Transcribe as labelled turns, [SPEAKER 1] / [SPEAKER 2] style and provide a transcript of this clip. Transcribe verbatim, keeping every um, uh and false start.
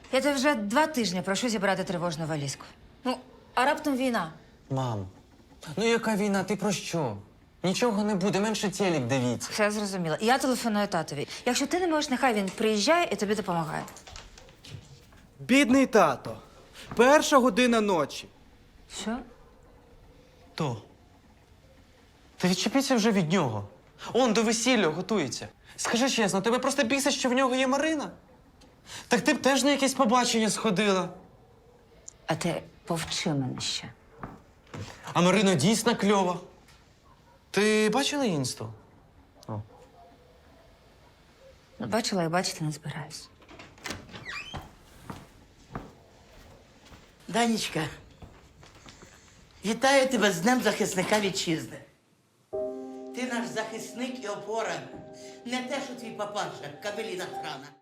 [SPEAKER 1] Я тебе вже два тижні прошу зібрати тривожну валізку. Ну, а раптом війна.
[SPEAKER 2] Мам, ну яка війна? Ти про що? Нічого не буде, менше телек дивіться.
[SPEAKER 1] Все зрозуміла. І я телефоную татові. Якщо ти не можеш, нехай він приїжджає і тобі допомагає.
[SPEAKER 3] Бідний тато. Перша година ночі.
[SPEAKER 1] Що?
[SPEAKER 2] То. Та відчепіться вже від нього. Он до весілля готується. Скажи чесно, тебе просто бісить, що в нього є Марина? Так ти б теж на якесь побачення сходила.
[SPEAKER 1] А ти повчи мене ще.
[SPEAKER 2] А Марина дійсно кльова. Ти бачила інсту?
[SPEAKER 1] Ну, бачила і бачити не збираюсь.
[SPEAKER 4] Данечка, вітаю тебе з Днем захисника вітчизни. Ти наш захисник і опора. Не те, що твій папаша, кабеліна храна.